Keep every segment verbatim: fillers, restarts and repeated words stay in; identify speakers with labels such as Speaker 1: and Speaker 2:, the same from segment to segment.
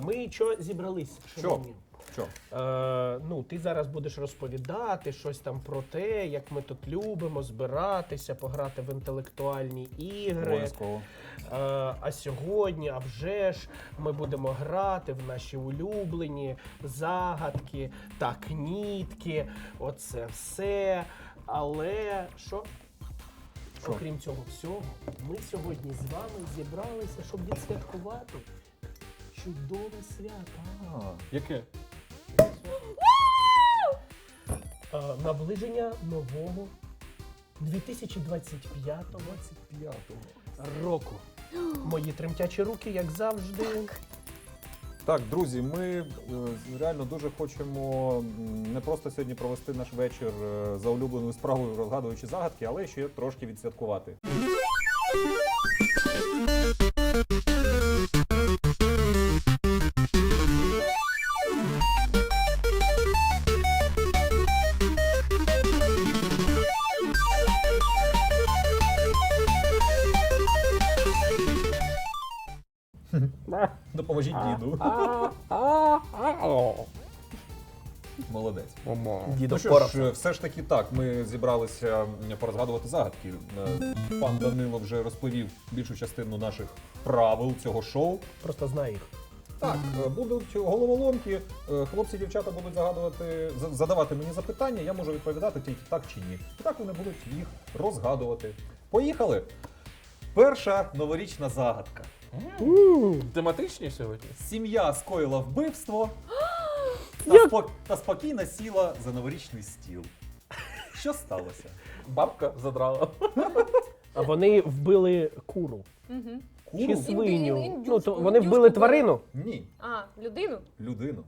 Speaker 1: ми що зібрались?
Speaker 2: Що? Що?
Speaker 1: Е, ну, ти зараз будеш розповідати щось там про те, як ми тут любимо збиратися, пограти в інтелектуальні ігри.
Speaker 2: Обов'язково.
Speaker 1: Е, а сьогодні, а вже ж, ми будемо грати в наші улюблені загадки та кнітки. Оце все. Але що?
Speaker 2: Що?
Speaker 1: Окрім цього всього, ми сьогодні з вами зібралися, щоб відсвяткувати чудове свято.
Speaker 2: А, яке?
Speaker 1: Е, наближення нового дві тисячі двадцять п'ятого року. Мої тремтячі руки, як завжди.
Speaker 2: Так, друзі, ми е, реально дуже хочемо м, не просто сьогодні провести наш вечір е, за улюбленою справою, розгадуючи загадки, але ще трошки відсвяткувати. Допоможіть діду. Молодець.
Speaker 1: Дідо
Speaker 2: Ну що
Speaker 1: впорався.
Speaker 2: ж, все ж таки так, ми зібралися порозгадувати загадки. Е, Пан Данило вже розповів більшу частину наших правил цього шоу.
Speaker 1: Просто знаю їх.
Speaker 2: Так, е, будуть головоломки, е, хлопці і дівчата будуть загадувати, за- задавати мені запитання, я можу відповідати тільки так чи ні. І так вони будуть їх розгадувати. Поїхали! Перша новорічна загадка.
Speaker 3: Тематичні сьогодні?
Speaker 2: Сім'я скоїла вбивство та, спо- та спокійно сіла за новорічний стіл. Що сталося?
Speaker 3: Бабка задрала.
Speaker 1: А вони вбили куру.
Speaker 4: Угу.
Speaker 1: Чи
Speaker 2: Куру?
Speaker 1: свиню.
Speaker 4: Ін- індюшку,
Speaker 1: Ну, то вони
Speaker 4: індюшку
Speaker 1: вбили
Speaker 4: вбили.
Speaker 1: тварину.
Speaker 2: Ні,
Speaker 4: А, людину?
Speaker 2: людину.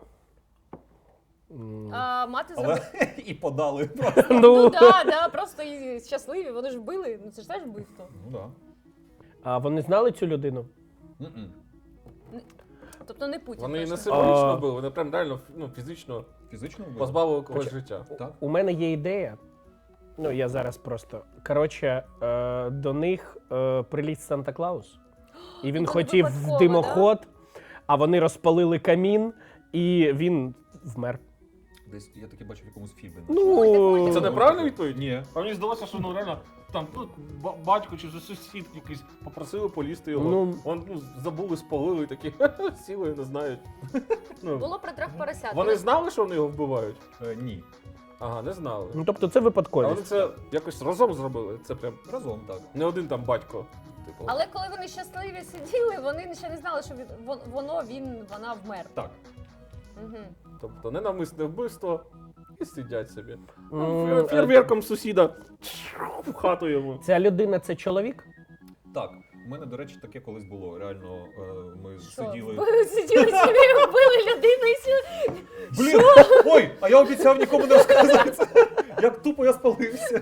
Speaker 1: М,
Speaker 4: А, мати зробила.
Speaker 2: Але і подали.
Speaker 4: Ну
Speaker 1: Ну,
Speaker 4: да, да, просто і щасливі, вони ж вбили, ну це ж теж вбивство.
Speaker 2: Ну да.
Speaker 1: а вони знали цю людину?
Speaker 2: М-м.
Speaker 4: Тобто не Путін.
Speaker 3: Вони не
Speaker 4: точно.
Speaker 3: символічно
Speaker 1: А.
Speaker 3: були, вони прям реально ну, фізично
Speaker 2: Фізично вбили?
Speaker 3: позбавили когось
Speaker 1: Хоча-
Speaker 3: життя.
Speaker 2: Так.
Speaker 1: У мене є ідея. Ну, я зараз просто. Коротше, е, до них е, приліт Санта-Клаус. І він
Speaker 4: це
Speaker 1: хотів
Speaker 4: випадково,
Speaker 1: в димоход, а вони розпалили камін, і він вмер.
Speaker 2: Десь я таки бачив в якомусь фільмі.
Speaker 1: Ну,
Speaker 3: Це неправильна відповідь?
Speaker 2: Ні.
Speaker 3: А мені здалося, що ну реально там ну, ба- батько чи сусід якийсь попросили полізти його.
Speaker 1: Ну.
Speaker 3: Он, ну, забули, спалили і такі сіли, не знають. Ну,
Speaker 4: Було про трьох поросят.
Speaker 3: вони знали, що вони його вбивають?
Speaker 2: Е, ні.
Speaker 3: Ага, не знали.
Speaker 1: Ну, тобто це
Speaker 3: А вони
Speaker 1: випадковість.
Speaker 3: це якось разом зробили. Це прям
Speaker 2: Разом так.
Speaker 3: не один там батько. Типу.
Speaker 4: Але коли вони щасливі сиділи, вони ще не знали, що від, вон- воно, він, вона вмер.
Speaker 2: Так.
Speaker 4: Угу.
Speaker 3: Тобто ненавмисне вбивство і сидять собі.
Speaker 1: М,
Speaker 3: Ну, фєрверком сусіда в хату йому.
Speaker 1: Ця людина це чоловік?
Speaker 2: Так. У мене, до речі, таке колись було. Реально, е, ми
Speaker 4: Що?
Speaker 2: сиділи.
Speaker 4: Ви сиділи собі, вбили людину і сіли.
Speaker 2: Блін! Ой, а я обіцяв нікому не розказати це. Як тупо я спалився.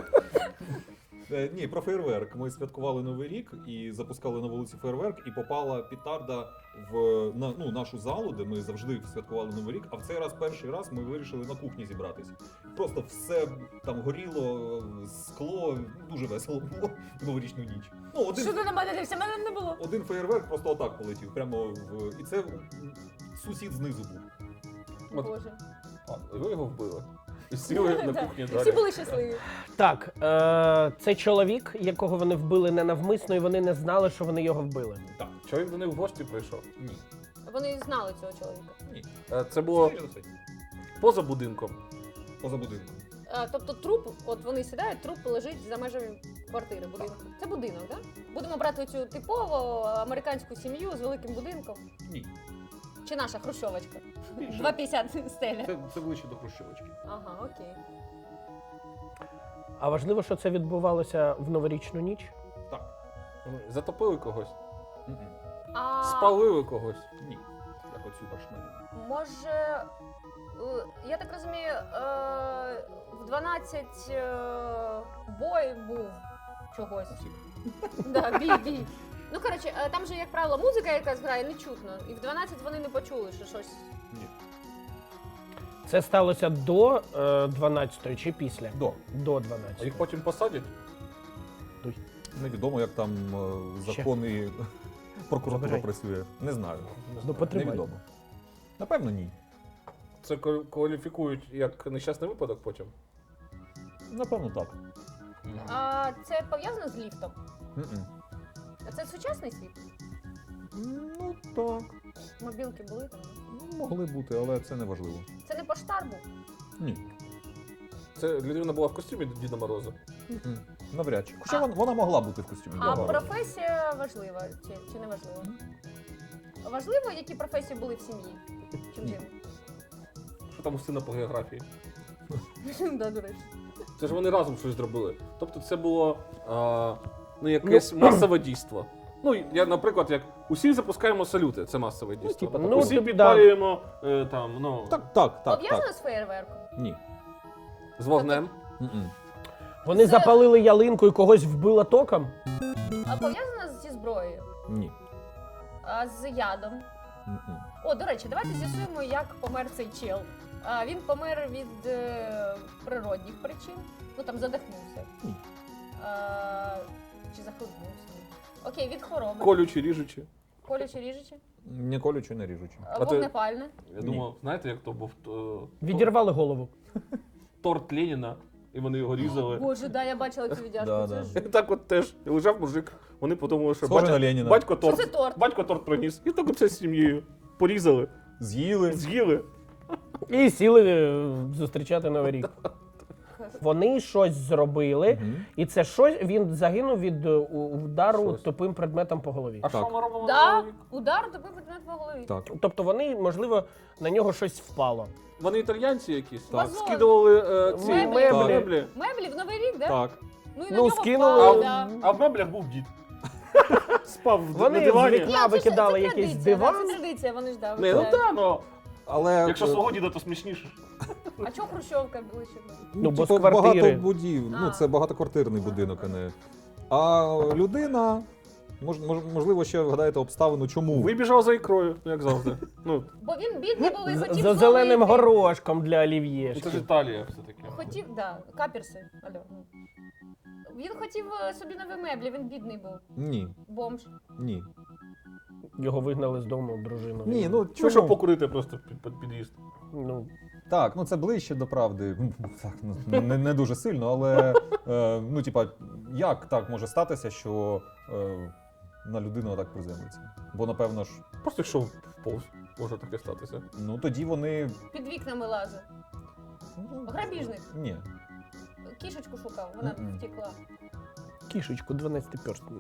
Speaker 2: Е, Ні, про фейерверк. Ми святкували Новий рік і запускали на вулиці фейерверк, і попала петарда в на, ну, нашу залу, де ми завжди святкували Новий рік, а в цей раз перший раз ми вирішили на кухні зібратися. Просто все там горіло, скло, дуже весело було в новорічну ніч. Ну, один,
Speaker 4: Що ти на мене дивишся? Мене не було.
Speaker 2: один фейерверк просто отак полетів, прямо в. І це сусід знизу був.
Speaker 3: От.
Speaker 4: Боже.
Speaker 3: А, і ви його вбили. І сіли на
Speaker 4: Да.
Speaker 3: кухні
Speaker 4: І
Speaker 3: далі.
Speaker 4: всі були щасливі.
Speaker 1: Так, е, це чоловік, якого вони вбили ненавмисно, і вони не знали, що вони його вбили.
Speaker 2: Так.
Speaker 3: Чого він до них в гості прийшов?
Speaker 2: Ні.
Speaker 4: Вони знали цього чоловіка.
Speaker 2: Ні.
Speaker 3: Е, Це було
Speaker 2: Скоріше за все.
Speaker 3: поза будинком.
Speaker 2: Поза будинком.
Speaker 4: А, тобто труп, от вони сідають, труп лежить за межами квартири, будинку. Це будинок, так? Да? Будемо брати цю типову американську сім'ю з великим будинком.
Speaker 2: Ні.
Speaker 4: Чи наша хрущовочка?
Speaker 2: Більше.
Speaker 4: два п'ятдесят стеля.
Speaker 2: Це, це ближче до Хрущовочки.
Speaker 4: Ага, окей.
Speaker 1: А важливо, що це відбувалося в новорічну ніч?
Speaker 2: Так.
Speaker 3: Затопили когось,
Speaker 2: Мгм.
Speaker 4: А
Speaker 3: спалили когось.
Speaker 2: Ні. Як оцю башню.
Speaker 4: може, е, я так розумію, е, в дванадцять е, бой був чогось. Да, бій, бій. Ну, коротше, е, там же, як правило, музика якась грає, не чутно. І в дванадцять вони не почули, що щось.
Speaker 2: Ні.
Speaker 1: Це сталося до е, дванадцятої чи після?
Speaker 2: До.
Speaker 1: До
Speaker 3: А
Speaker 1: дванадцятої.
Speaker 3: їх потім посадять?
Speaker 2: Невідомо, як там е,
Speaker 1: Ще.
Speaker 2: закони прокуратура
Speaker 1: Забирай.
Speaker 2: працює. Не знаю.
Speaker 1: Ну, потримай.
Speaker 2: Невідомо. Напевно, ні.
Speaker 3: Це квал- кваліфікують як нещасний випадок потім.
Speaker 2: Напевно, так.
Speaker 4: А це пов'язано з ліфтом?
Speaker 2: М-м.
Speaker 4: А це сучасний світ?
Speaker 2: Ну, так.
Speaker 4: Мобілки були там?
Speaker 2: Ну, могли бути, але це не важливо.
Speaker 4: Це не поштар був?
Speaker 2: Ні.
Speaker 3: Це людина була в костюмі Діда Мороза.
Speaker 2: М-м. Навряд чи. Хоча
Speaker 4: А-
Speaker 2: вона, вона могла бути в костюмі.
Speaker 4: А
Speaker 2: да.
Speaker 4: професія важлива чи, чи не важлива? Важливо, які професії були в сім'ї? Чим
Speaker 2: Ні.
Speaker 4: дивно?
Speaker 3: Що там у сина по географії?
Speaker 4: Да, до речі.
Speaker 3: Це ж вони разом щось зробили. Тобто це було а, ну, якесь масове дійство. Ну, я, наприклад, як усі запускаємо салюти, це масове дійство.
Speaker 2: типа,
Speaker 1: ну,
Speaker 3: усі
Speaker 1: типу,
Speaker 3: підпалюємо е, там, ну,
Speaker 2: Так, так, так,
Speaker 4: Пов'язано
Speaker 2: так.
Speaker 4: з феєрверком?
Speaker 2: Ні.
Speaker 3: з вогнем.
Speaker 2: М-м.
Speaker 1: Вони
Speaker 4: Це-
Speaker 1: запалили ялинку і когось вбило током?
Speaker 4: А пов'язано зі зброєю?
Speaker 2: Ні.
Speaker 4: А з ядом?
Speaker 2: М-м.
Speaker 4: О, до речі, давайте з'ясуємо, як помер цей чел. А, він помер від е, природних причин. Ну там задихнувся.
Speaker 2: Ні.
Speaker 4: А, чи захлебнувся. Окей, від хвороби.
Speaker 3: Колючі, ріжучі.
Speaker 4: Колюче ріжуче.
Speaker 2: Не колючи, не ріжучи.
Speaker 4: А,
Speaker 3: А ти-
Speaker 4: Вогнепальне.
Speaker 3: Я
Speaker 2: Ні.
Speaker 3: думав, знаєте, як то був е,
Speaker 1: Відірвали голову.
Speaker 3: торт Леніна, і вони його різали.
Speaker 4: Боже, да, я бачила цю віддяшку.
Speaker 2: Да,
Speaker 4: це
Speaker 2: да.
Speaker 4: ж.
Speaker 3: І так от теж лежав мужик. Вони подумали, що
Speaker 2: Схоже
Speaker 3: батя-
Speaker 2: на Леніна.
Speaker 3: батько
Speaker 4: Що
Speaker 3: торт.
Speaker 4: це торт?
Speaker 3: Батько торт приніс. І так оце з сім'єю. Порізали,
Speaker 2: З'їли.
Speaker 3: з'їли.
Speaker 1: І сіли е, зустрічати Новий рік. Вони щось зробили,
Speaker 2: Мгм.
Speaker 1: і це щось він загинув від е, у- удару
Speaker 3: Щось.
Speaker 1: тупим предметом по голові.
Speaker 3: А
Speaker 2: Так.
Speaker 3: що ми робимо на
Speaker 4: Да,
Speaker 3: Новий рік?
Speaker 4: удар тобі предмет по голові.
Speaker 2: Так.
Speaker 1: Тобто вони, можливо, на нього щось впало.
Speaker 3: Вони італьянці якісь?
Speaker 4: Так.
Speaker 3: Скидували е, ці
Speaker 4: Меблі.
Speaker 3: е,
Speaker 1: Меблі.
Speaker 3: меблі.
Speaker 4: Меблі в Новий рік, да?
Speaker 2: Так.
Speaker 4: Ну і на
Speaker 1: Ну,
Speaker 4: нього
Speaker 1: скинули.
Speaker 4: впали,
Speaker 1: А-
Speaker 4: да.
Speaker 3: А в меблях був дід. Спав в-
Speaker 1: Вони
Speaker 3: на
Speaker 1: з
Speaker 3: дивані.
Speaker 1: вікна
Speaker 4: Ні, це ж-
Speaker 1: викидали
Speaker 4: це
Speaker 1: якийсь
Speaker 4: традиція, да,
Speaker 1: диван.
Speaker 4: Це традиція, вони ж да.
Speaker 3: Не, ну
Speaker 4: викидають.
Speaker 3: так, ну.
Speaker 2: Але
Speaker 3: Якщо
Speaker 2: е,
Speaker 3: свого діда, то смішніше.
Speaker 4: А чого Хрущовка ближче?
Speaker 1: Ну, бо з
Speaker 2: типу,
Speaker 1: квартири.
Speaker 2: багато будів. Ну,
Speaker 4: А.
Speaker 2: це багатоквартирний будинок, а не. А людина, мож, мож- можливо, ще вгадаєте обставину, чому.
Speaker 3: Вибіжав за ікрою, як завжди. Ну,
Speaker 4: Бо він бідний був і
Speaker 1: З-
Speaker 4: хотів
Speaker 1: За зеленим
Speaker 4: зловити.
Speaker 1: горошком для
Speaker 3: це
Speaker 1: олів'єшки.
Speaker 3: ж Італія все-таки.
Speaker 4: Хотів, да, каперси. Алло. ну. Він хотів е, собі нові меблі, він бідний був.
Speaker 2: Ні,
Speaker 4: Бомж.
Speaker 2: ні.
Speaker 1: Його вигнали з дому дружину.
Speaker 2: Ні, ну
Speaker 3: Вийшов
Speaker 2: чому?
Speaker 3: покурити просто під, під під'їзд.
Speaker 1: Ну,
Speaker 2: Так, ну це ближче до правди. Так, ну, не, не дуже сильно, але е, ну, типа, як так може статися, що е, на людину так приземлиться? Бо напевно ж,
Speaker 3: Просто йшов в повз. Може таке статися.
Speaker 2: ну тоді вони.
Speaker 4: Під вікнами лазив.
Speaker 2: Ну,
Speaker 4: Грабіжник.
Speaker 2: Ні.
Speaker 4: Кішечку шукав, вона
Speaker 2: Мгм.
Speaker 4: втекла.
Speaker 1: кішечку, дванадцятиперстну.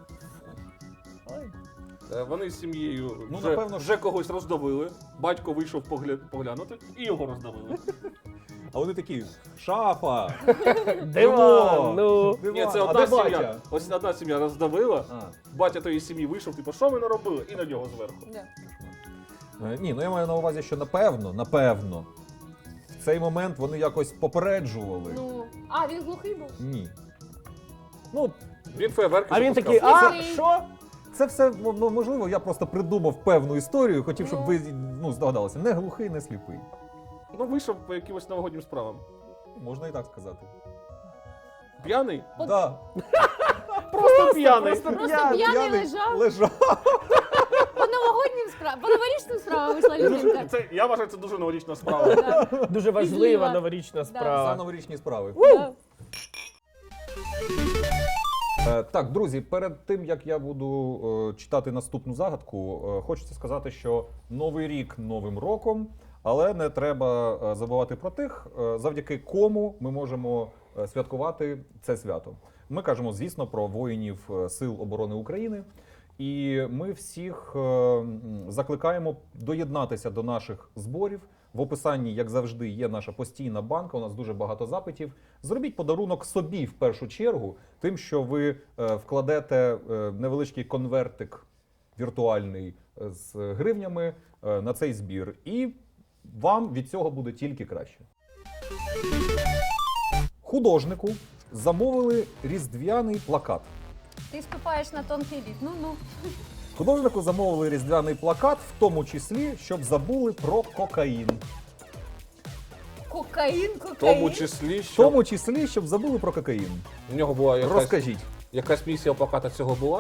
Speaker 3: Е, Вони з сім'єю
Speaker 2: Ну,
Speaker 3: вже,
Speaker 2: напевно,
Speaker 3: вже когось роздавили. Батько вийшов погля... поглянути і його роздавили.
Speaker 2: А вони такі: шафа!
Speaker 1: Диван, ну.
Speaker 2: Диван,
Speaker 3: Ні, це
Speaker 2: а
Speaker 3: одна
Speaker 2: де
Speaker 3: сім'я.
Speaker 2: батя?
Speaker 3: Ось одна сім'я роздавила.
Speaker 2: А.
Speaker 3: Батя тої сім'ї вийшов, типу, що ми наробили? І на нього зверху.
Speaker 4: Да.
Speaker 2: Е, Ні, ну я маю на увазі, що напевно, напевно, в цей момент вони якось попереджували.
Speaker 4: Ну, а, він глухий був?
Speaker 2: Ні. Ну,
Speaker 3: Він фейерверки
Speaker 1: А він
Speaker 3: запускав.
Speaker 1: такий, а
Speaker 4: Слухай.
Speaker 1: що?
Speaker 2: це все м- м- можливо, я просто придумав певну історію, хотів, щоб
Speaker 4: Ну.
Speaker 2: ви ну, здогадалися. Не глухий, не сліпий.
Speaker 3: Ну, вийшов по якимось новогоднім справам.
Speaker 2: Можна і так сказати.
Speaker 3: П'яний?
Speaker 4: От-
Speaker 2: Да.
Speaker 3: Просто п'яний.
Speaker 1: просто
Speaker 4: Просто
Speaker 1: п'яний.
Speaker 4: п'яний лежав.
Speaker 2: лежав.
Speaker 4: По новогоднім справам, по новорічним справам вийшла
Speaker 3: Дуже-
Speaker 4: людинка.
Speaker 3: Це, я вважаю, це дуже новорічна справа.
Speaker 4: Да.
Speaker 1: Дуже важлива
Speaker 4: Важлива.
Speaker 1: новорічна
Speaker 2: За
Speaker 1: справа.
Speaker 2: новорічні справи.
Speaker 4: Да.
Speaker 2: Е, Так, друзі, перед тим як я буду е, читати наступну загадку, е, хочеться сказати, що новий рік новим роком, але не треба е, забувати про тих, е, завдяки кому ми можемо е, святкувати це свято. Ми кажемо, звісно, про воїнів е, Сил оборони України. І ми всіх е, м, закликаємо доєднатися до наших зборів. В описанні, як завжди, є наша постійна банка. У нас дуже багато запитів. Зробіть подарунок собі в першу чергу, тим, що ви е, вкладете е, невеличкий конвертик віртуальний е, з гривнями е, на цей збір. І вам від цього буде тільки краще. Художнику замовили різдвяний плакат.
Speaker 4: Ти ступаєш на тонкий лід. Ну ну.
Speaker 2: Художнику замовили різдвяний плакат, в тому числі, щоб забули про кокаїн.
Speaker 4: Кокаїн,
Speaker 3: В тому
Speaker 4: кокаїн.
Speaker 3: числі,
Speaker 2: В
Speaker 3: що
Speaker 2: тому числі, щоб забули про кокаїн.
Speaker 3: в нього була якась,
Speaker 2: Розкажіть.
Speaker 3: якась місія плаката цього була.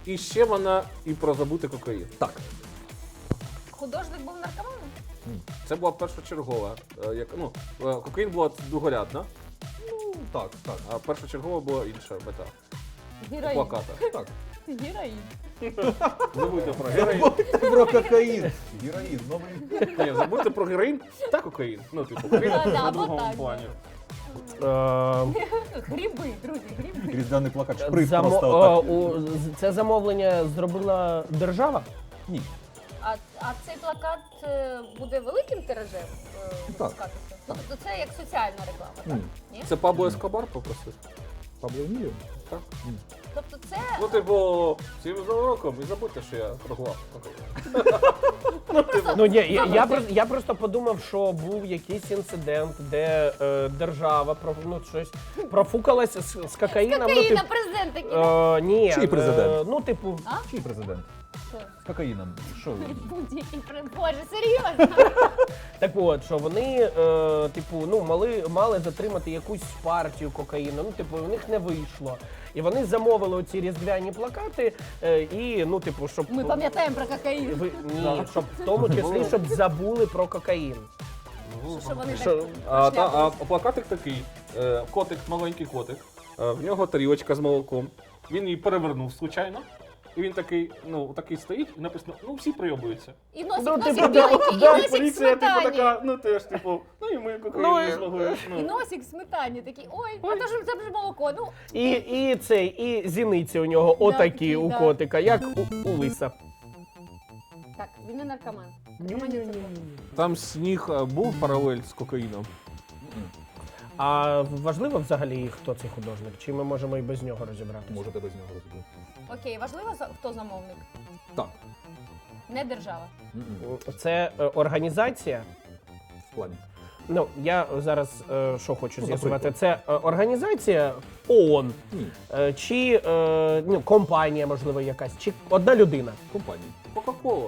Speaker 3: І ще вона і про забути кокаїн.
Speaker 2: Так.
Speaker 4: Художник був наркоманом?
Speaker 3: Це була першочергова. е, Як, ну, е, кокаїн була другорядна,
Speaker 2: Ну, так, так,
Speaker 3: а першочергова була інша мета. У
Speaker 4: Героїн.
Speaker 3: плакатах.
Speaker 2: так.
Speaker 4: Героїн.
Speaker 3: Забудьте про героїн.
Speaker 2: Про кокаїн. Героїн, новий.
Speaker 3: Ні, забудьте про героїн та кокаїн. Ну, типу, кокаїн
Speaker 4: Да, да,
Speaker 3: на
Speaker 4: або
Speaker 3: другому
Speaker 4: так,
Speaker 3: плані.
Speaker 1: Е,
Speaker 4: Гриби, друзі, гриби.
Speaker 2: Різдвяний плакат, шприт
Speaker 1: замо-
Speaker 2: просто
Speaker 1: е,
Speaker 2: отак.
Speaker 1: у- з- Це замовлення зробила держава?
Speaker 2: Ні.
Speaker 4: А, а цей плакат е, буде великим тиражем е, випускатися? Ну, тобто це як соціальна реклама, так?
Speaker 2: Ні.
Speaker 4: Ні?
Speaker 3: Це Пабло Ескобар попросив.
Speaker 2: Пабло Еміліо?
Speaker 3: Так.
Speaker 4: Тобто це...
Speaker 3: Ну, типу, всім з Новим роком, і забудьте, що я торгував кокаїн. Ну, типу,
Speaker 1: Ну ні, я, я, про- я просто подумав, що був якийсь інцидент, де е, держава про, ну, щось профукалася з, з кокаїном. Ну,
Speaker 4: Кокаїна,
Speaker 1: тип-
Speaker 4: президент такий.
Speaker 1: е, ні,
Speaker 2: Чий президент?
Speaker 1: Е, ну, типу,
Speaker 2: Чий президент?
Speaker 4: Що?
Speaker 2: З кокаїном. Що?
Speaker 4: Будь-який при- Боже, серйозно?
Speaker 1: так от, що вони, е, типу, ну, мали, мали затримати якусь партію кокаїну, ну, типу, у них не вийшло. І вони замовили оці різдвяні плакати, е, і, ну, типу, щоб...
Speaker 4: Ми пам'ятаємо про кокаїн.
Speaker 1: Ви, ні, щоб в тому числі, щоб забули про кокаїн.
Speaker 4: Що вони
Speaker 1: Що-
Speaker 4: так
Speaker 3: А, та, а
Speaker 4: шляпу.
Speaker 3: плакатик такий, е, котик, маленький котик, е, в нього тарілочка з молоком, він її перевернув случайно, і він такий, ну, такий стоїть, і написано, ну всі прийобуються.
Speaker 4: І носик,
Speaker 1: Ну,
Speaker 4: носик
Speaker 1: типу,
Speaker 4: біленький, і
Speaker 1: да,
Speaker 4: носик в
Speaker 3: Поліція, типу,
Speaker 4: сметані.
Speaker 3: така, ну теж, типу, ну і ми кокаїн
Speaker 1: Ну,
Speaker 3: не
Speaker 1: і-
Speaker 3: змогли.
Speaker 4: І
Speaker 3: Ну.
Speaker 4: носик в сметані такий, ой, а то ж це ж молоко. Ну,
Speaker 1: І, і цей, і зіниці у нього
Speaker 4: Да,
Speaker 1: отакі
Speaker 4: такі,
Speaker 1: у
Speaker 4: да.
Speaker 1: котика, як у, у лиса.
Speaker 4: так, він не наркоман. Наркоманів це було.
Speaker 3: Там сніг е, був паралель з кокаїном.
Speaker 1: А важливо взагалі, хто цей художник? Чи ми можемо і без нього розібратися?
Speaker 2: Можете без нього розібрати.
Speaker 4: Окей, важливо, за- хто замовник?
Speaker 2: Так.
Speaker 4: Не держава.
Speaker 2: М-м.
Speaker 1: Це е, організація.
Speaker 2: В плані.
Speaker 1: Ну, я зараз е, що хочу
Speaker 2: Ну,
Speaker 1: з'ясувати,
Speaker 2: наприклад.
Speaker 1: це е, організація ООН,
Speaker 2: Ні.
Speaker 1: е, чи е, ну, компанія, можливо, якась, чи одна людина.
Speaker 2: Компанії.
Speaker 3: Кока-кола.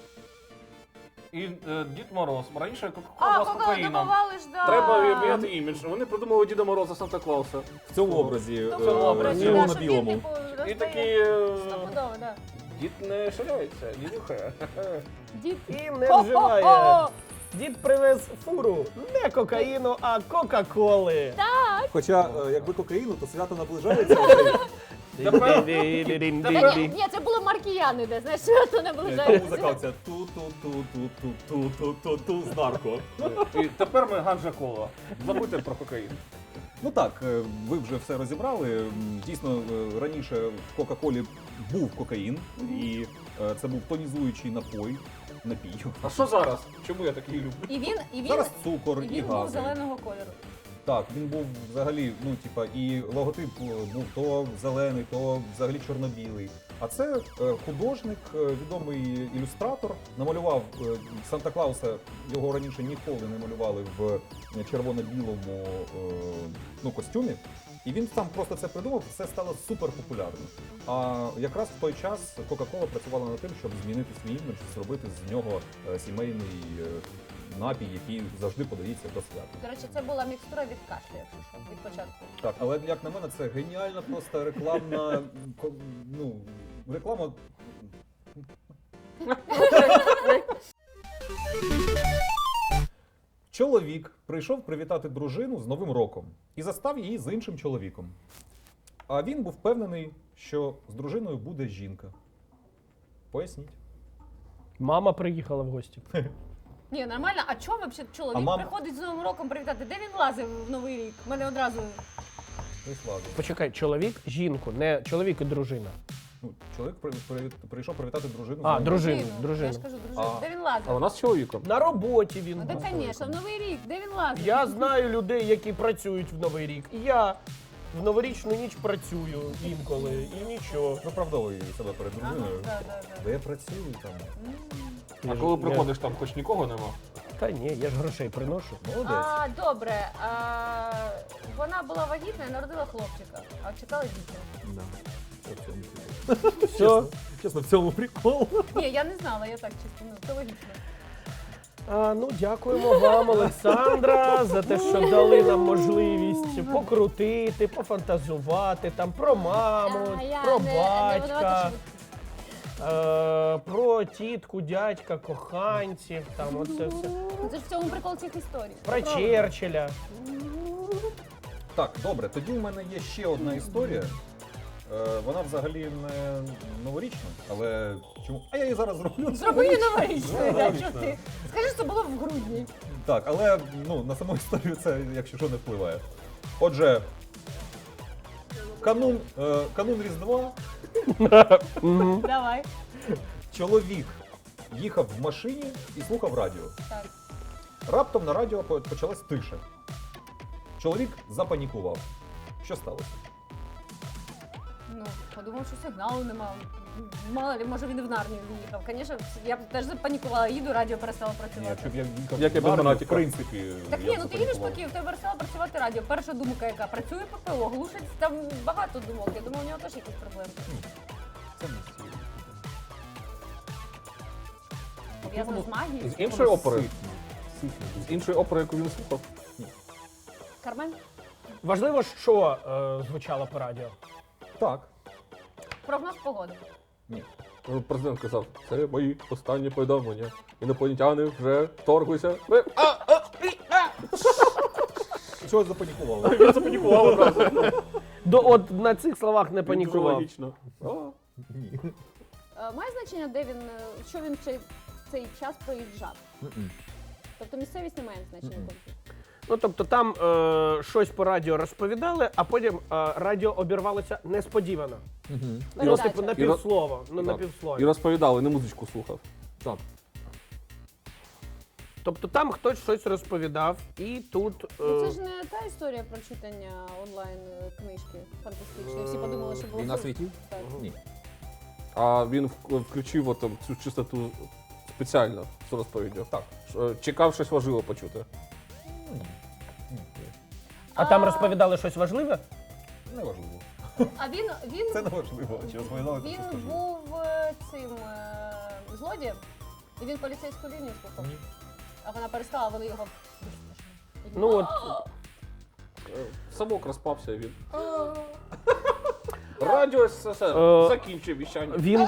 Speaker 3: І е, Дід Мороз. Раніше
Speaker 4: А,
Speaker 3: Кока-кола була з
Speaker 4: коли
Speaker 3: кокаїном.
Speaker 4: добували ж, да.
Speaker 3: Треба міняти імідж. Вони придумали Діда Мороза Санта-Клауса.
Speaker 2: В цьому образі.
Speaker 4: В
Speaker 3: цьому
Speaker 2: е,
Speaker 3: образі,
Speaker 2: червоно
Speaker 4: да, що він,
Speaker 2: білому.
Speaker 4: типу,
Speaker 3: І
Speaker 4: роздає.
Speaker 3: такі... е,
Speaker 4: Стопудово, да.
Speaker 3: Дід не ширяється, дід нюхає.
Speaker 4: Дід.
Speaker 1: І не
Speaker 4: Хо-хо-хо!
Speaker 1: вживає. Дід привез фуру не кокаїну, а Кока-Коли.
Speaker 2: Хоча, е, якби кокаїну, то свято наближається.
Speaker 4: Та ні, ні, це було маркіяни, де, знаєш, що то не було
Speaker 2: Там
Speaker 4: жаль.
Speaker 2: музика оця ту-ту-ту-ту-ту-ту-ту-ту з нарко.
Speaker 3: І тепер ми ганжа кола. Забудьте про кокаїн.
Speaker 2: Ну так, е, ви вже все розібрали. М, Дійсно, е, раніше в Кока-Колі був кокаїн, і е, це був тонізуючий напой. Напій.
Speaker 3: А що зараз? Чому я такий люблю?
Speaker 4: І він, і він,
Speaker 2: Зараз цукор
Speaker 4: і
Speaker 2: і
Speaker 4: він був
Speaker 2: гази.
Speaker 4: зеленого кольору.
Speaker 2: Так, він був взагалі, ну типа, і логотип е, був то зелений, то взагалі чорно-білий. А це е, художник, е, відомий ілюстратор, намалював е, Санта-Клауса, його раніше ніколи не малювали в е, червоно-білому е, ну, костюмі. І він сам просто це придумав, це стало супер популярним. А якраз в той час Coca-Cola працювала над тим, щоб змінити свій імідж, зробити з нього е, сімейний е, напій, який завжди подається до свята.
Speaker 4: До речі, це була мікстура від кашлю, якщо що, від початку.
Speaker 2: Так, але як на мене, це геніальна просто рекламна ко- ну, реклама. Чоловік прийшов привітати дружину з Новим роком і застав її з іншим чоловіком. А він був впевнений, що з дружиною буде жінка. Поясніть.
Speaker 1: Мама приїхала в гості.
Speaker 4: Ні, нормально, а чому взагалі чоловік
Speaker 2: А мам-
Speaker 4: приходить з Новим роком привітати? Де він лазив в Новий рік? У мене одразу...
Speaker 2: Прислали.
Speaker 1: Почекай, чоловік, жінку, не чоловік і дружина.
Speaker 2: Ну, чоловік при- при- прийшов привітати дружину. з
Speaker 1: А,
Speaker 2: Новим
Speaker 1: дружину,
Speaker 4: Я
Speaker 1: дружину.
Speaker 4: ж кажу, дружину.
Speaker 2: А.
Speaker 4: Де він
Speaker 3: А
Speaker 4: лазив?
Speaker 3: вона з чоловіком.
Speaker 1: На роботі він
Speaker 4: Ну,
Speaker 1: був.
Speaker 4: так, звісно, в Новий рік. Де він лазив?
Speaker 1: Я знаю людей, які працюють в Новий рік. І я в новорічну ніч працюю інколи, і нічого.
Speaker 2: Виправдовує себе перед
Speaker 4: Ага,
Speaker 2: дружиною.
Speaker 4: да, да, да.
Speaker 2: Де я працюю там?
Speaker 3: А коли приходиш, там хоч нікого нема.
Speaker 1: Та ні, я ж грошей приношу.
Speaker 2: Молодець.
Speaker 4: А, добре. А, вона була вагітна і народила хлопчика, а чекала дітей.
Speaker 2: Да. Це в цьому прикол.
Speaker 1: Все.
Speaker 2: Чесно, чесно, в цьому прикол.
Speaker 4: Ні, я не знала, я так чисто, ну, це логічно.
Speaker 1: А, ну, дякуємо вам, Олександра, за те, що дали нам можливість покрутити, пофантазувати там про маму,
Speaker 4: А, я
Speaker 1: про
Speaker 4: не- не винувата,
Speaker 1: батька.
Speaker 4: що
Speaker 1: е, про тітку, дядька, коханців, там оце все.
Speaker 4: Ну, це ж в цьому прикол цих історій.
Speaker 1: Про Черчилля.
Speaker 2: Так, добре, тоді в мене є ще одна історія. Е, Вона взагалі не новорічна, але чому? А я її зараз зроблю.
Speaker 4: Зроби її новорічною, да,
Speaker 2: Новорічна.
Speaker 4: що ти? Скажи, що це було в грудні.
Speaker 2: Так, але ну, на саму історію це, якщо що, не впливає. Отже, канун, е, канун Різдва,
Speaker 4: Давай.
Speaker 2: чоловік їхав в машині і слухав радіо.
Speaker 4: Так.
Speaker 2: Раптом на радіо по- почалась тиша. Чоловік запанікував. Що сталося?
Speaker 4: Ну, подумав, що сигналу нема. Мало ли, може він і в Нарнію в'їхав. Звісно, я б теж запанікувала, їду, радіо перестало
Speaker 2: Ні,
Speaker 4: працювати.
Speaker 2: якщо б я їхав
Speaker 3: Як я
Speaker 2: в
Speaker 3: без
Speaker 2: Нарнію, в
Speaker 3: Монатіка.
Speaker 2: принципі,
Speaker 4: Так
Speaker 2: я
Speaker 4: ні,
Speaker 2: б
Speaker 4: ну ти їдеш по
Speaker 2: запанікував.
Speaker 4: Києву, в тебе перестало працювати радіо. Перша думка яка? Працює ППО, глушить, там багато думок. Я думаю, у нього теж якісь проблеми.
Speaker 2: Це не стільки.
Speaker 4: Пов'язано з магією.
Speaker 3: З іншої опери.
Speaker 2: Ситно.
Speaker 3: З іншої опери, яку він слухав.
Speaker 4: Кармен?
Speaker 1: Важливо, що е, звучало по радіо.
Speaker 2: Так.
Speaker 4: Прогноз погоди.
Speaker 2: Ні.
Speaker 3: Ну, президент казав, це мої останні повідомлення. Інопланетяни вже вторглися. Ми... А, а, і, а!
Speaker 2: Чого запанікували?
Speaker 3: Він запанікував одразу.
Speaker 1: До, от на цих словах не
Speaker 3: Дуже
Speaker 1: панікував.
Speaker 3: логічно. А,
Speaker 2: Ні.
Speaker 4: Е, Має значення, де він, е, що він в цей, цей час проїжджав?
Speaker 2: М-м.
Speaker 4: Тобто місцевість не має значення.
Speaker 2: Мгм.
Speaker 4: конкретно.
Speaker 1: Ну тобто там е, щось по радіо розповідали, а потім е, радіо обірвалося несподівано.
Speaker 2: Мгм.
Speaker 1: Ну,
Speaker 4: Передача.
Speaker 1: типу, на півслова. Ну, на
Speaker 3: Так.
Speaker 1: півслові.
Speaker 3: І розповідали, не музичку слухав.
Speaker 2: Так.
Speaker 1: Тобто там хтось щось розповідав, і тут. Е,
Speaker 4: Ну це ж не та історія про читання онлайн е, книжки фантастичної. Всі подумали, що було
Speaker 2: Війна
Speaker 4: супер.
Speaker 2: світів?
Speaker 4: Так.
Speaker 2: Ні.
Speaker 3: А він в- включив от, там, цю чистоту спеціально з розповіддю.
Speaker 2: Так.
Speaker 3: Ш- Чекав щось важливе почути.
Speaker 2: Ні. Ні.
Speaker 1: а там
Speaker 4: А-
Speaker 1: розповідали щось важливе?
Speaker 2: Неважливо.
Speaker 4: А він, він,
Speaker 2: Це неважливо. Чи розповідали, то
Speaker 4: він
Speaker 2: що скажу.
Speaker 4: був е, цим е, злодієм, і він поліцейську лінію слухав.
Speaker 2: Ні.
Speaker 4: А вона перестала, вони його.
Speaker 1: Ну от
Speaker 3: Е, Самок розпався і він. Радіо СССР
Speaker 1: Е,
Speaker 3: закінчив віщання.
Speaker 1: він.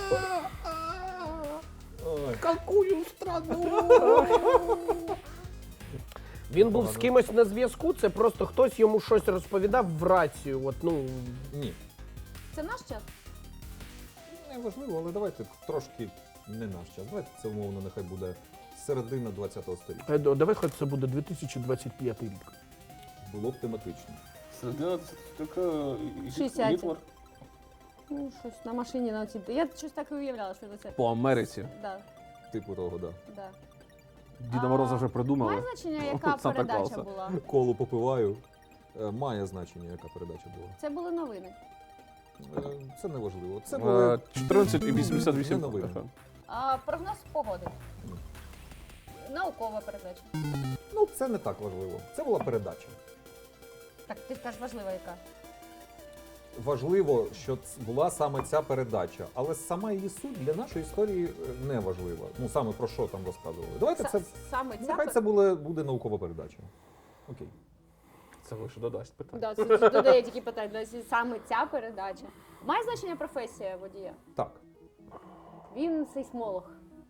Speaker 2: Ой.
Speaker 3: Какую страну?
Speaker 1: Він був з
Speaker 2: Погано.
Speaker 1: кимось на зв'язку, це просто хтось йому щось розповідав в рацію. От, ну,
Speaker 2: Ні.
Speaker 4: Це наш час?
Speaker 2: Неважливо, але давайте трошки не наш час. Давайте це умовно нехай буде середина ХХ століття.
Speaker 1: е, давай хоч це буде дві тисячі двадцять п'ятий рік.
Speaker 2: Було б тематично.
Speaker 3: Середина це така
Speaker 4: шістдесят.
Speaker 3: Гітлер.
Speaker 4: Ну, щось на машині на оці. Я щось так і уявляла, що це.
Speaker 3: По Америці.
Speaker 4: Да,
Speaker 2: Типу того, да.
Speaker 4: да.
Speaker 3: Діда
Speaker 4: А,
Speaker 3: Мороза вже придумали.
Speaker 4: Має значення, яка
Speaker 3: Санта
Speaker 4: передача
Speaker 3: Клауса.
Speaker 4: була?
Speaker 2: Колу попиваю. Е, Має значення, яка передача була.
Speaker 4: Це були новини.
Speaker 2: Е, Це не важливо. Це
Speaker 3: Е,
Speaker 2: були
Speaker 3: чотирнадцять і вісімдесят
Speaker 2: Не
Speaker 3: вісім.
Speaker 2: новини.
Speaker 4: А прогноз погоди.
Speaker 2: Ні.
Speaker 4: Наукова передача.
Speaker 2: ну це не так важливо. Це була передача.
Speaker 4: Так, ти скажеш важлива яка.
Speaker 2: Важливо, що ц- була саме ця передача, але сама її суть для нашої історії е, не важлива. Ну саме про що там розказували. Давайте
Speaker 4: Са-
Speaker 2: це
Speaker 4: Саме ця
Speaker 2: нехай
Speaker 4: пер-
Speaker 2: це буде, буде наукова передача. Окей.
Speaker 3: Це лише додасть питання.
Speaker 4: Да, це це додає тільки питання. Да, саме ця передача. Має значення професія водія?
Speaker 2: Так.
Speaker 4: Він сейсмолог.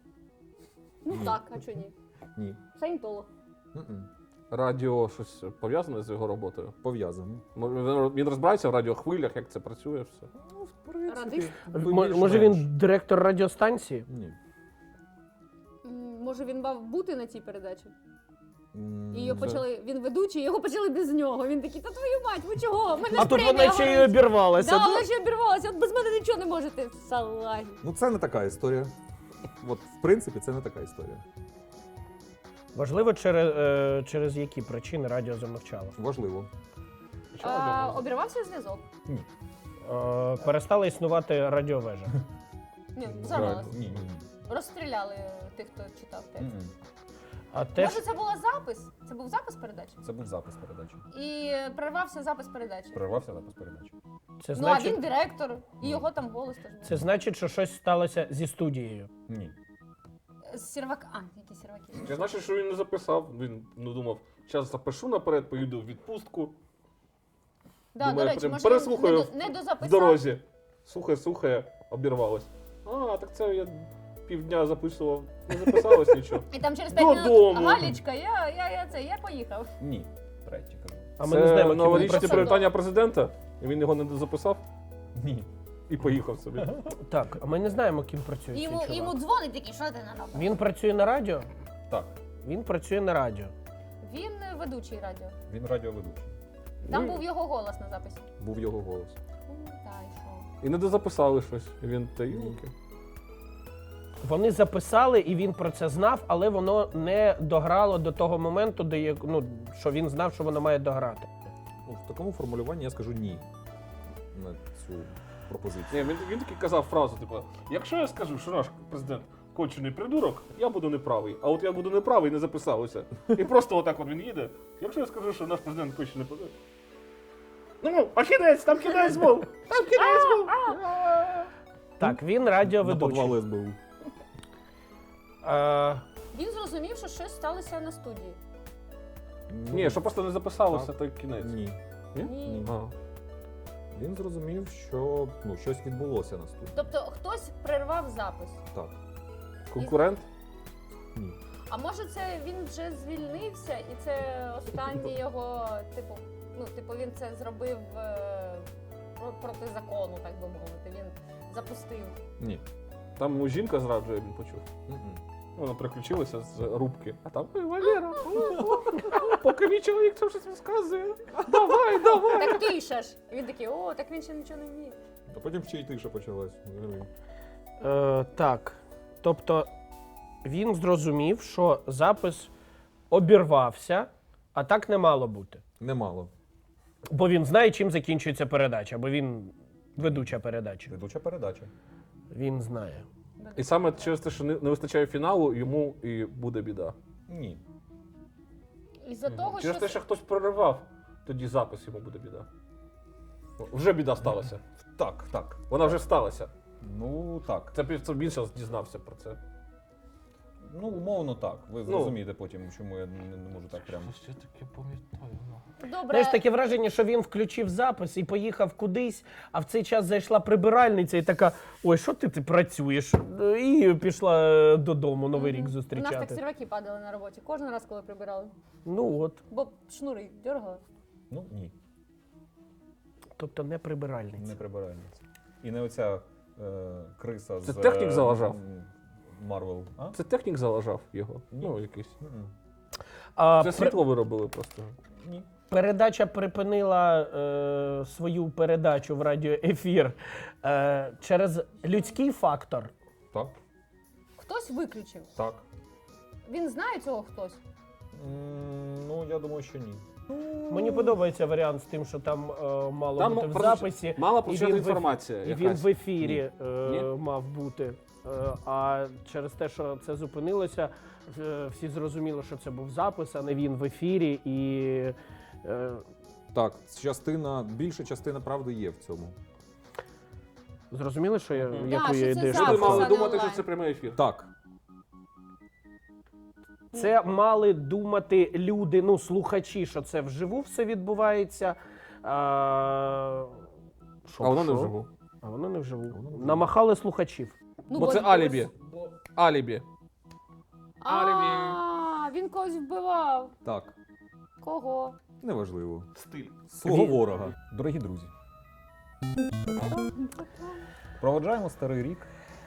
Speaker 4: Ну
Speaker 2: Ні.
Speaker 4: так, а чого ні?
Speaker 2: Ні.
Speaker 4: Саєнтолог.
Speaker 2: М-м.
Speaker 3: Радіо щось пов'язане з його роботою.
Speaker 2: Пов'язано.
Speaker 3: Мо- Він він розбирається в радіохвилях, як це працює, все.
Speaker 2: Ну, в принципі,
Speaker 4: Радист?
Speaker 1: М- може він директор радіостанції?
Speaker 2: Ні.
Speaker 4: М, Може він мав бути на цій передачі?
Speaker 2: М,
Speaker 4: І його
Speaker 3: це-
Speaker 4: почали, він ведучий, його почали без нього. Він такий, та твою мать, ви чого? Мене
Speaker 1: А
Speaker 4: ж
Speaker 1: тут
Speaker 4: премія
Speaker 1: вона ще й
Speaker 4: горить».
Speaker 1: обірвалася.
Speaker 4: Да,
Speaker 1: да?
Speaker 4: вона ще обірвалася, от без мене нічого не можете. Салагі.
Speaker 2: Ну це не така історія. От, в принципі, це не така історія.
Speaker 1: Важливо, через, е, через які причини радіо замовчало.
Speaker 2: Важливо.
Speaker 4: А, обірвався зв'язок?
Speaker 1: Е, перестала існувати радіовежа.
Speaker 4: Ні, взорвалась.
Speaker 2: Ні, ні, ні.
Speaker 4: Розстріляли тих, хто читав текст.
Speaker 2: М-м.
Speaker 1: А теж
Speaker 4: Може, це був запис? Це був запис передачі?
Speaker 2: Це був запис передачі.
Speaker 4: І перервався запис передачі.
Speaker 2: Перервався запис передачі.
Speaker 1: це
Speaker 4: Ну, а він
Speaker 1: значить,
Speaker 4: директор, і його там голос теж був.
Speaker 1: це значить, що щось сталося зі студією.
Speaker 2: Ні.
Speaker 4: Сервак. А, які серваки.
Speaker 3: Це значить, що він не записав. Він ну, думав, зараз запишу наперед, поїду в відпустку
Speaker 4: Да,
Speaker 3: Думаю,
Speaker 4: до речі,
Speaker 3: прям
Speaker 4: може
Speaker 3: переслухаю
Speaker 4: він не, до, не
Speaker 3: в
Speaker 4: дозаписав.
Speaker 3: дорозі. Слухає, слухає, обірвалось. А, так це я півдня записував. Не записалось нічого.
Speaker 4: І там через п'ять
Speaker 3: Додому.
Speaker 4: минут Галічка, я, я, я це, я поїхав.
Speaker 2: Ні. Третє кажу.
Speaker 1: А ми
Speaker 3: Це
Speaker 1: не знаємо, ким він
Speaker 3: новорічне
Speaker 1: працює.
Speaker 3: привітання президента, і він його не записав
Speaker 2: Ні.
Speaker 3: і поїхав собі.
Speaker 1: Так, а ми не знаємо, ким працює
Speaker 4: І
Speaker 1: цей
Speaker 4: Йому,
Speaker 1: чувак.
Speaker 4: йому дзвонить такий, що ти на робиш?
Speaker 1: Він працює на радіо?
Speaker 2: Так.
Speaker 1: Він працює на радіо.
Speaker 4: Він е, ведучий радіо.
Speaker 2: Він радіоведучий.
Speaker 4: Там
Speaker 3: Ну,
Speaker 4: був його голос на записі.
Speaker 2: Був його голос.
Speaker 4: Ну, та й що.
Speaker 3: І не дозаписали щось. І він та юлки.
Speaker 1: Вони записали, і він про це знав, але воно не дограло до того моменту, де як- ну, що він знав, що воно має дограти.
Speaker 2: Ну, в такому формулюванні я скажу ні на цю пропозицію.
Speaker 3: Ні, він, він таки казав фразу, типу, якщо я скажу, що наш президент кончений придурок, я буду неправий. А от я буду неправий, не записалося. І просто отак от він їде. Якщо я скажу, що наш президент кончений придурок. Ну, а кінець, там кінець був! Там кінець був!
Speaker 1: Так, він
Speaker 2: На
Speaker 1: радіоведучий.
Speaker 2: підвал ес бе у.
Speaker 1: Е,
Speaker 4: Він зрозумів, що щось сталося на студії.
Speaker 3: Ні, що просто не записалося,
Speaker 2: Так.
Speaker 3: той кінець.
Speaker 2: Ні.
Speaker 3: Ні?
Speaker 4: Ні.
Speaker 3: А.
Speaker 2: Він зрозумів, що ну, щось відбулося на студії.
Speaker 4: Тобто хтось прервав запис.
Speaker 2: Так.
Speaker 3: Конкурент?
Speaker 2: Ні.
Speaker 4: А може це він вже звільнився і це останній його, типу, ну, типу, він це зробив е, про- проти закону, так би мовити. Він запустив.
Speaker 2: Ні.
Speaker 3: Там йому жінка зраджує, він почув.
Speaker 2: Мгм.
Speaker 3: Вона приключилася з рубки. А там ой, Валера, о, о, о, поки мій чоловік там щось розказує. Давай, давай.
Speaker 4: Так тиша ж. І він такий, о, так він ще нічого не вміє.
Speaker 2: А потім ще й тиша почалась. взагалі.
Speaker 1: е, так. Тобто він зрозумів, що запис обірвався, а так не мало бути.
Speaker 2: Немало.
Speaker 1: Бо він знає, чим закінчується передача, бо він ведуча передача.
Speaker 2: Ведуча передача.
Speaker 1: Він знає.
Speaker 3: І саме через те, що не, не вистачає фіналу, йому і буде біда.
Speaker 2: Ні.
Speaker 4: Із-за того,
Speaker 3: Через
Speaker 4: що
Speaker 3: те, що хтось проривав, тоді запис йому буде біда. Ну, вже біда сталася.
Speaker 2: Так, так.
Speaker 3: Вона вже сталася.
Speaker 2: Ну так.
Speaker 3: Це б- це він зараз дізнався про це.
Speaker 2: Ну, умовно так. Ви зрозумієте потім, чому я не, не можу так прямо.
Speaker 3: Щось я таке пам'ятаю.
Speaker 4: добре.
Speaker 1: Знаєш, таке враження, що він включив запис і поїхав кудись, а в цей час зайшла прибиральниця і така: ой, що ти, ти працюєш? І пішла е, додому Новий рік
Speaker 4: У нас так
Speaker 1: зустрічати.
Speaker 4: серваки падали на роботі. Кожен раз, коли прибирали.
Speaker 1: Ну от,
Speaker 4: Бо шнури дергали.
Speaker 2: Ну, ні.
Speaker 1: тобто не прибиральниця.
Speaker 2: Не прибиральниця. І не оця е, криса
Speaker 3: Це
Speaker 2: з...
Speaker 3: технік заважав?
Speaker 2: Марвел. А?
Speaker 3: Це технік заважав його.
Speaker 2: Ні.
Speaker 3: Ну, якийсь.
Speaker 2: Мгм.
Speaker 1: А
Speaker 3: Це
Speaker 1: пр-
Speaker 3: світло виробили просто.
Speaker 2: Ні.
Speaker 1: передача припинила е, свою передачу в радіоефір е, через людський фактор.
Speaker 2: Так,
Speaker 4: Хтось виключив.
Speaker 2: так.
Speaker 4: Він знає цього хтось.
Speaker 2: М, ну, я думаю, що ні.
Speaker 1: Мені подобається варіант з тим, що там е, мало
Speaker 3: Там
Speaker 1: бути в
Speaker 3: просто
Speaker 1: записі.
Speaker 3: Мала
Speaker 1: і
Speaker 3: прочитана
Speaker 1: він в еф-
Speaker 3: інформація.
Speaker 1: І він
Speaker 3: якась.
Speaker 1: в ефірі
Speaker 3: Ні.
Speaker 1: е,
Speaker 3: Ні?
Speaker 1: мав бути. Е, а через те, що це зупинилося, е, всі зрозуміли, що це був запис, а не він в ефірі. І е,
Speaker 2: Так, частина, більша частина правди є в цьому.
Speaker 1: зрозуміли, що я,
Speaker 3: Мгм.
Speaker 1: яку
Speaker 4: Да,
Speaker 1: я
Speaker 4: що це
Speaker 1: ідею?
Speaker 3: Люди
Speaker 4: запис,
Speaker 3: мали
Speaker 4: а не
Speaker 3: думати, що
Speaker 4: онлайн.
Speaker 3: це прямий ефір.
Speaker 2: Так.
Speaker 1: Це мали думати люди, ну, слухачі, що це вживу все відбувається. А, що,
Speaker 3: А воно
Speaker 1: що?
Speaker 3: не вживу.
Speaker 1: А воно не вживу.
Speaker 2: Воно не вживу.
Speaker 1: Намахали слухачів.
Speaker 4: Ну,
Speaker 3: Бо це алібі. Алібі.
Speaker 4: А, він когось вбивав.
Speaker 2: Так.
Speaker 4: Кого?
Speaker 2: Неважливо.
Speaker 3: Стиль.
Speaker 2: Свого
Speaker 1: Він-
Speaker 2: ворога. Дорогі друзі. Проводжаємо старий рік.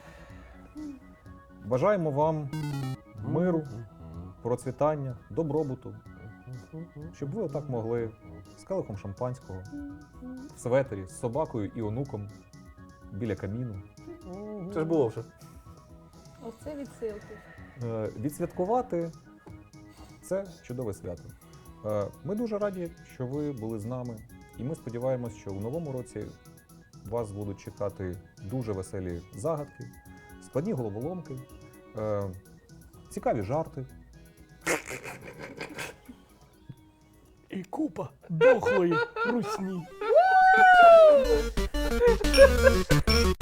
Speaker 2: Бажаємо вам миру, процвітання, добробуту. Щоб ви отак могли з келихом шампанського, в светері, з собакою і онуком біля каміну
Speaker 3: Це ж було вже.
Speaker 4: Оце відсилки.
Speaker 2: е, відсвяткувати це чудове свято. Е, Ми дуже раді, що ви були з нами, і ми сподіваємось, що у новому році вас будуть чекати дуже веселі загадки, складні головоломки, е, цікаві жарти.
Speaker 1: І купа дохлої русні.